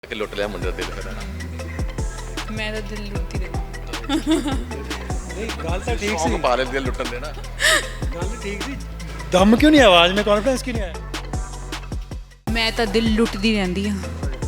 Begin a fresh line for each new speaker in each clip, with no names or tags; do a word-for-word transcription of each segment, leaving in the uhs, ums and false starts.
ਕਿ ਲੁੱਟ ਲਿਆ ਮੁੰਡੇ ਦਾ ਦਿਲ ਫਿਰ ਨਾ
ਮੈਂ ਤਾਂ ਦਿਲ ਲੁੱਟੀ ਰਹੀ
ਨਹੀਂ ਗੱਲ ਤਾਂ ਠੀਕ ਸੀ
ਸੌਂਗ ਪਾ ਲੈ ਦਿਲ ਲੁੱਟਣ ਦੇ ਨਾ
ਗੱਲ ਠੀਕ ਸੀ ਦਮ ਕਿਉਂ ਨਹੀਂ ਆਵਾਜ਼ में कॉन्फिडेंस क्यों नहीं आया
ਮੈਂ ਤਾਂ ਦਿਲ ਲੁੱਟਦੀ ਰਹਿੰਦੀ ਹਾਂ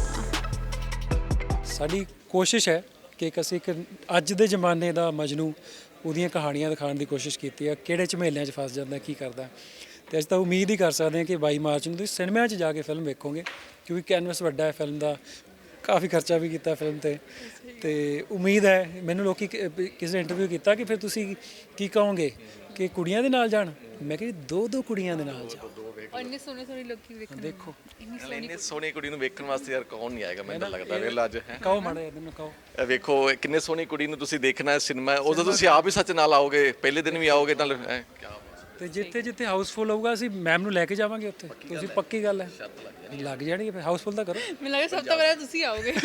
ਸਾਡੀ ਕੋਸ਼ਿਸ਼ ਹੈ ਕਿ ਇੱਕ ਅਸੀਂ ਇੱਕ ਅੱਜ ਦੇ ਜ਼ਮਾਨੇ ਦਾ ਮਜਨੂ ਉਹਦੀਆਂ ਕਹਾਣੀਆਂ ਦਿਖਾਉਣ ਦੀ ਕੋਸ਼ਿਸ਼ ਕੀਤੀ ਹੈ ਕਿਹੜੇ ਝਮੇਲਿਆਂ 'ਚ ਫਸ ਜਾਂਦਾ ਕੀ ਕਰਦਾ ਤੇ ਅਸੀਂ ਤਾਂ ਉਮੀਦ ਹੀ ਕਰ ਸਕਦੇ ਹਾਂ ਕਿ ਬਾਈ ਮਾਰਚ ਨੂੰ ਤੁਸੀਂ ਸਿਨੇਮਾ 'ਚ ਜਾ ਕੇ ਫਿਲਮ ਵੇਖੋਗੇ ਕਿਉਂਕਿ ਕੈਨਵਸ ਵੱਡਾ ਹੈ ਫਿਲਮ ਦਾ ਕਾਫੀ ਖਰਚਾ ਵੀ ਕੀਤਾ ਫਿਲਮ ਤੇ ਤੇ ਉਮੀਦ ਹੈ ਮੈਨੂੰ ਲੋਕੀ ਕਿ- ਵੀ ਕਿਸੇ ਨੇ ਇੰਟਰਵਿਊ ਕੀਤਾ ਕਿ ਫਿਰ ਤੁਸੀਂ ਕੀ ਕਹੋਗੇ ਕਿ ਕੁੜੀਆਂ ਦੇ ਨਾਲ ਜਾਣ ਮੈਂ ਕਿਹਾ ਦੋ ਦੋ ਕੁੜੀਆਂ ਦੇ ਨਾਲ ਜਾਓ
ਔਰ ਇੰਨੇ ਸੋਹਣੇ ਸੋਹਣੇ ਲੋਕੀ ਵੇਖਣ
ਦੇਖੋ
ਇੰਨੀ
ਨਾਲੇ ਇੰਨੀ ਸੋਹਣੀ ਕੁੜੀ ਨੂੰ ਵੇਖਣ ਵਾਸਤੇ ਯਾਰ ਕੌਣ ਨਹੀਂ ਆਏਗਾ ਮੈਨੂੰ ਤਾਂ ਲੱਗਦਾ ਵੇਖ ਅੱਜ ਹੈ
ਕਹੋ ਮਾੜਾ ਜਿਹਾ ਮੈਨੂੰ ਕਹੋ
ਇਹ ਵੇਖੋ ਇਹ ਕਿੰਨੇ ਸੋਹਣੀ ਕੁੜੀ ਨੂੰ ਤੁਸੀਂ ਦੇਖਣਾ ਹੈ ਸਿਨੇਮਾ ਉਦੋਂ ਤੁਸੀਂ ਆਪ ਹੀ ਸੱਚ ਨਾਲ ਆਓਗੇ ਪਹਿਲੇ ਦਿਨ ਵੀ ਆਓਗੇ ਤਾਂ ਕੀ
ਤੇ ਜਿੱਥੇ ਜਿੱਥੇ ਹਾਊਸਫੁੱਲ ਹੋਊਗਾ ਅਸੀਂ ਮੈਮ ਨੂੰ ਲੈ ਕੇ ਜਾਵਾਂਗੇ ਉੱਥੇ ਤੁਸੀਂ ਪੱਕੀ ਗੱਲ ਹੈ ਲੱਗ ਜਾਣੀ ਫਿਰ ਹਾਊਸਫੁੱਲ ਤਾਂ ਕਰੋ
ਮੈਨੂੰ ਲੱਗਾ ਸਭ ਤੋਂ ਪਹਿਲਾਂ ਤੁਸੀਂ ਆਓਗੇ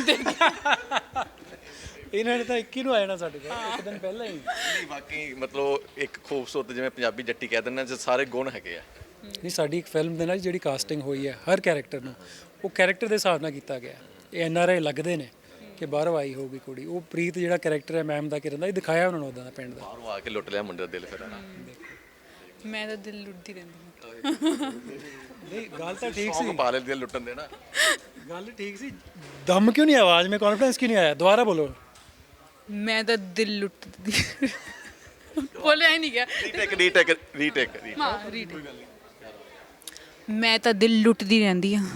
ਇਹਨਾਂ ਨੇ ਤਾਂ ਇੱਕੀ ਨੂੰ ਆ ਜਾਣਾ ਸਾਡੇ ਕੋਲ ਇੱਕ ਦਿਨ ਪਹਿਲਾਂ ਹੀ
ਨਹੀਂ ਵਾਕਈ ਮਤਲਬ ਇੱਕ ਖੂਬਸੂਰਤ ਜਿਵੇਂ ਪੰਜਾਬੀ ਜੱਟੀ ਕਹਿ ਦਿੰਦੇ ਨੇ ਸਾਰੇ ਗੁਣ ਹੈਗੇ ਆ
ਨਹੀਂ ਸਾਡੀ ਇੱਕ ਫਿਲਮ ਦੇ ਨਾਲ ਜਿਹੜੀ ਕਾਸਟਿੰਗ ਹੋਈ ਹੈ ਹਰ ਕੈਰੈਕਟਰ ਨੂੰ ਉਹ ਕੈਰੈਕਟਰ ਦੇ ਹਿਸਾਬ ਨਾਲ ਕੀਤਾ ਗਿਆ ਇਹ ਐਨ ਆਰ ਆਈ ਲੱਗਦੇ ਨੇ ਕਿ ਬਾਹਰੋਂ ਆਈ ਹੋਊਗੀ ਕੁੜੀ ਉਹ ਪ੍ਰੀਤ ਜਿਹੜਾ ਕੈਰੈਕਟਰ ਹੈ ਮੈਮ ਦਾ ਕਿਰਨ ਦਾ ਇਹ ਦਿਖਾਇਆ ਉਹਨਾਂ ਨੂੰ ਉਦਾਂ ਦਾ ਪਿੰਡ ਦਾ
ਬਾਹਰੋਂ ਆ ਕੇ ਲੁੱਟ ਲਿਆ ਮੁੰਡੇ ਦਾ ਦਿਲ ਫਿਰ ਨਾ
ਮੈਂ ਤਾਂ ਦਿਲ ਲੁੱਟਦੀ ਰਹਿੰਦੀ ਹਾਂ
ਨਹੀਂ ਗੱਲ ਤਾਂ ਠੀਕ
ਸੌਂਗ ਪਾ ਲੈ ਦਿਲ ਲੁੱਟਣ ਦੇ ਨਾ
ਗੱਲ ਠੀਕ ਸੀ ਦਮ ਕਿਉਂ ਨਹੀਂ ਆਵਾਜ਼ में कॉन्फिडेंस क्यों नहीं आया दोबारा बोलो
ਮੈਂ ਤਾਂ ਦਿਲ ਲੁੱਟਦੀ ਬੋਲਿਆ ਹੀ ਨਹੀਂ ਗਿਆ
ਰੀਟੇਕ ਰੀਟੇਕ ਰੀਟੇਕ
ਹਾਂ ਰੀਡ ਮੈਂ ਤਾਂ ਦਿਲ ਲੁੱਟਦੀ ਰਹਿੰਦੀ ਹਾਂ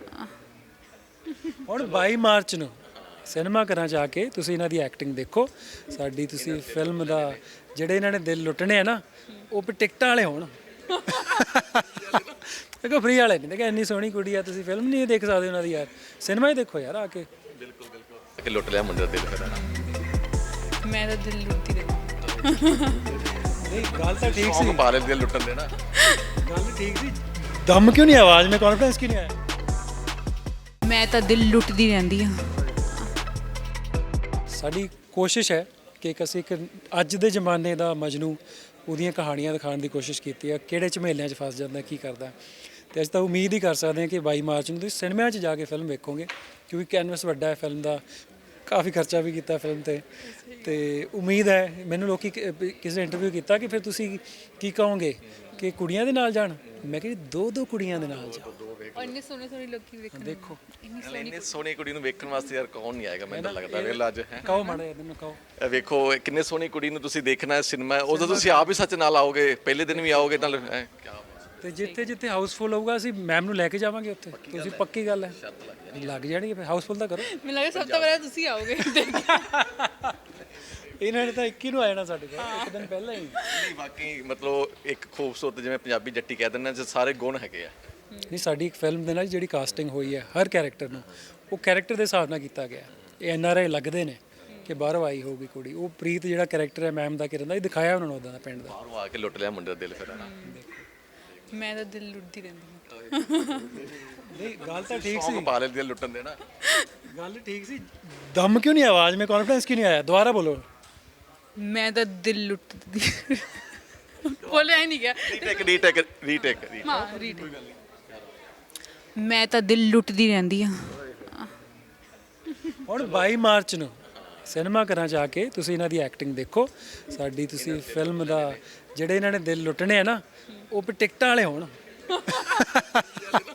ਹੁਣ ਬਾਈ ਮਾਰਚ ਨੂੰ ਸਿਨੇਮਾ ਘਰਾਂ 'ਚ ਆ ਕੇ ਤੁਸੀਂ ਇਹਨਾਂ ਦੀ ਐਕਟਿੰਗ ਦੇਖੋ ਸਾਡੀ ਤੁਸੀਂ ਫਿਲਮ ਦਾ ਜਿਹੜੇ ਇਹਨਾਂ ਨੇ ਦਿਲ ਲੁੱਟਣੇ ਆ ਨਾ ਉਹ ਵੀ ਟਿਕਟਾਂ ਵਾਲੇ ਹੋਣ ਦੇਖੋ ਫ੍ਰੀ ਵਾਲੇ ਨਹੀਂ ਦੇਖਿਆ ਇੰਨੀ ਸੋਹਣੀ ਕੁੜੀ ਆ ਤੁਸੀਂ ਫਿਲਮ ਨਹੀਂ ਦੇਖ ਸਕਦੇ ਉਹਨਾਂ ਦੀ ਯਾਰ ਸਿਨੇਮਾ ਹੀ ਦੇਖੋ ਯਾਰ ਆ ਕੇ
ਬਿਲਕੁਲ ਬਿਲਕੁਲ ਕਿ ਲੁੱਟ ਲਿਆ ਮੁੰਡੇ ਦਾ ਦਿਲ ਫਿਰ ਨਾ
ਮੈਂ ਤਾਂ ਦਿਲ ਲੁੱਟਦੀ ਰਹਿੰਦੀ
ਨਹੀਂ ਗੱਲ ਤਾਂ ਠੀਕ ਸੀ
ਸੌਂਗ ਪਾ ਲੈ ਦਿਲ ਲੁੱਟਣ ਦੇ ਨਾ
ਗੱਲ ਠੀਕ ਸੀ ਦਮ ਕਿਉਂ ਨਹੀਂ ਆਵਾਜ਼ में कॉन्फिडेंस क्यों नहीं आया
ਮੈਂ ਤਾਂ ਦਿਲ ਲੁੱਟਦੀ ਰਹਿੰਦੀ ਹਾਂ
ਸਾਡੀ ਕੋਸ਼ਿਸ਼ ਹੈ ਕਿ ਇੱਕ ਅਸੀਂ ਇੱਕ ਅੱਜ ਦੇ ਜ਼ਮਾਨੇ ਦਾ ਮਜਨੂ ਉਹਦੀਆਂ ਕਹਾਣੀਆਂ ਦਿਖਾਉਣ ਦੀ ਕੋਸ਼ਿਸ਼ ਕੀਤੀ ਹੈ ਕਿਹੜੇ ਝਮੇਲਿਆਂ 'ਚ ਫਸ ਜਾਂਦਾ ਕੀ ਕਰਦਾ ਤੇ ਅਸੀਂ ਤਾਂ ਉਮੀਦ ਹੀ ਕਰ ਸਕਦੇ ਹਾਂ ਕਿ ਬਾਈ ਮਾਰਚ ਨੂੰ ਤੁਸੀਂ ਸਿਨੇਮਾ 'ਚ ਜਾ ਕੇ ਫਿਲਮ ਵੇਖੋਗੇ ਕਿਉਂਕਿ ਕੈਨਵਸ ਵੱਡਾ ਹੈ ਫਿਲਮ ਦਾ ਕਾਫੀ ਖਰਚਾ ਵੀ ਕੀਤਾ ਫਿਲਮ ਤੇ ਤੇ ਉਮੀਦ ਹੈ ਮੈਨੂੰ ਲੋਕੀ ਕਿ- ਵੀ ਕਿਸੇ ਨੇ ਇੰਟਰਵਿਊ ਕੀਤਾ ਕਿ ਫਿਰ ਤੁਸੀਂ ਕੀ ਕਹੋਗੇ ਕਿ ਕੁੜੀਆਂ ਦੇ ਨਾਲ ਜਾਣ ਮੈਂ ਕਿਹਾ ਦੋ ਦੋ ਕੁੜੀਆਂ ਦੇ ਨਾਲ ਜਾਓ
ਔਰ ਇੰਨੇ ਸੋਹਣੇ ਸੋਹਣੇ ਲੋਕੀ ਵੇਖਣ
ਦੇਖੋ
ਇੰਨੀ
ਨਾਲੇ ਇੰਨੀ ਸੋਹਣੀ ਕੁੜੀ ਨੂੰ ਵੇਖਣ ਵਾਸਤੇ ਯਾਰ ਕੌਣ ਨਹੀਂ ਆਏਗਾ ਮੈਨੂੰ ਤਾਂ ਲੱਗਦਾ ਵੇਖ ਅੱਜ ਹੈ
ਕਹੋ ਮਾੜਾ ਜਿਹਾ ਮੈਨੂੰ ਕਹੋ
ਇਹ ਵੇਖੋ ਇਹ ਕਿੰਨੇ ਸੋਹਣੀ ਕੁੜੀ ਨੂੰ ਤੁਸੀਂ ਦੇਖਣਾ ਹੈ ਸਿਨੇਮਾ ਉਦੋਂ ਤੁਸੀਂ ਆਪ ਹੀ ਸੱਚ ਨਾਲ ਆਓਗੇ ਪਹਿਲੇ ਦਿਨ ਵੀ ਆਓਗੇ ਤਾਂ ਕੀ
ਤੇ ਜਿੱਥੇ ਜਿੱਥੇ ਹਾਊਸਫੁੱਲ ਹੋਊਗਾ ਅਸੀਂ ਮੈਮ ਨੂੰ ਲੈ ਕੇ ਜਾਵਾਂਗੇ ਉੱਥੇ ਤੁਸੀਂ ਪੱਕੀ ਗੱਲ ਹੈ ਲੱਗ ਜਾਣੀ ਫਿਰ ਹਾਊਸਫੁੱਲ ਤਾਂ ਕਰੋ
ਮੈਨੂੰ ਲੱਗਾ ਸਭ ਤੋਂ ਪਹਿਲਾਂ ਤੁਸੀਂ ਆਓਗੇ
ਇਹਨਾਂ ਨੇ ਤਾਂ ਇੱਕੀ ਨੂੰ ਆ ਜਾਣਾ ਸਾਡੇ ਕੋਲ ਇੱਕ ਦਿਨ ਪਹਿਲਾਂ ਹੀ
ਨਹੀਂ ਵਾਕਈ ਮਤਲਬ ਇੱਕ ਖੂਬਸੂਰਤ ਜਿਵੇਂ ਪੰਜਾਬੀ ਜੱਟੀ ਕਹਿ ਦਿੰਦੇ ਨੇ ਸਾਰੇ ਗੁਣ ਹੈਗੇ ਆ
ਨਹੀਂ ਸਾਡੀ ਇੱਕ ਫਿਲਮ ਦੇ ਨਾਲ ਜਿਹੜੀ ਕਾਸਟਿੰਗ ਹੋਈ ਹੈ ਹਰ ਕੈਰੈਕਟਰ ਨੂੰ ਉਹ ਕੈਰੈਕਟਰ ਦੇ ਹਿਸਾਬ ਨਾਲ ਕੀਤਾ ਗਿਆ ਇਹ ਐਨ ਆਰ ਆਈ ਲੱਗਦੇ ਨੇ ਕਿ ਬਾਹਰੋਂ ਆਈ ਹੋਊਗੀ ਕੁੜੀ ਉਹ ਪ੍ਰੀਤ ਜਿਹੜਾ ਕੈਰੈਕਟਰ ਹੈ ਮੈਮ ਦਾ ਕਿਰਨ ਦਾ ਇਹ ਦਿਖਾਇਆ ਉਹਨਾਂ ਨੂੰ ਉਦਾਂ ਦਾ ਪਿੰਡ ਦਾ
ਬਾਹਰੋਂ ਆ ਕੇ ਲੁੱਟ ਲਿਆ ਮੁੰਡੇ ਦਾ ਦਿਲ ਫਿਰ ਨਾ
ਮੈਂ ਤਾਂ ਦਿਲ ਲੁੱਟਦੀ ਰਹਿੰਦੀ ਹਾਂ
ਨਹੀਂ ਗੱਲ ਤਾਂ ਠੀਕ
ਸੌਂਗ ਪਾ ਲੈ ਦਿਲ ਲੁੱਟਣ ਦੇ ਨਾ
ਗੱਲ ਠੀਕ ਸੀ ਦਮ ਕਿਉਂ ਨਹੀਂ ਆਵਾਜ਼ में कॉन्फिडेंस क्यों नहीं आया दोबारा बोलो
ਮੈਂ ਤਾਂ ਦਿਲ ਲੁੱਟਦੀ ਬੋਲਿਆ ਹੀ ਨਹੀਂ ਗਿਆ
ਰੀਟੇਕ ਰੀਟੇਕ ਰੀਟੇਕ
ਹਾਂ ਰੀਡ ਮੈਂ ਤਾਂ ਦਿਲ ਲੁੱਟਦੀ ਰਹਿੰਦੀ ਹਾਂ
ਹੁਣ ਬਾਈ ਮਾਰਚ ਨੂੰ ਸਿਨੇਮਾ ਘਰਾਂ 'ਚ ਆ ਕੇ ਤੁਸੀਂ ਇਹਨਾਂ ਦੀ ਐਕਟਿੰਗ ਦੇਖੋ ਸਾਡੀ ਤੁਸੀਂ ਫਿਲਮ ਦਾ ਜਿਹੜੇ ਇਹਨਾਂ ਨੇ ਦਿਲ ਲੁੱਟਣੇ ਆ ਨਾ ਉਹ ਵੀ ਟਿਕਟਾਂ ਵਾਲੇ ਹੋਣ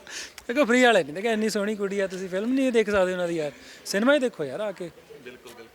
ਦੇਖੋ ਫ੍ਰੀ ਵਾਲੇ ਨਹੀਂ ਦੇਖਿਆ ਇੰਨੀ ਸੋਹਣੀ ਕੁੜੀ ਆ ਤੁਸੀਂ ਫਿਲਮ ਨਹੀਂ ਦੇਖ ਸਕਦੇ ਉਹਨਾਂ ਦੀ ਯਾਰ ਸਿਨੇਮਾ ਹੀ ਦੇਖੋ ਯਾਰ ਆ ਕੇ
ਬਿਲਕੁਲ ਬਿਲਕੁਲ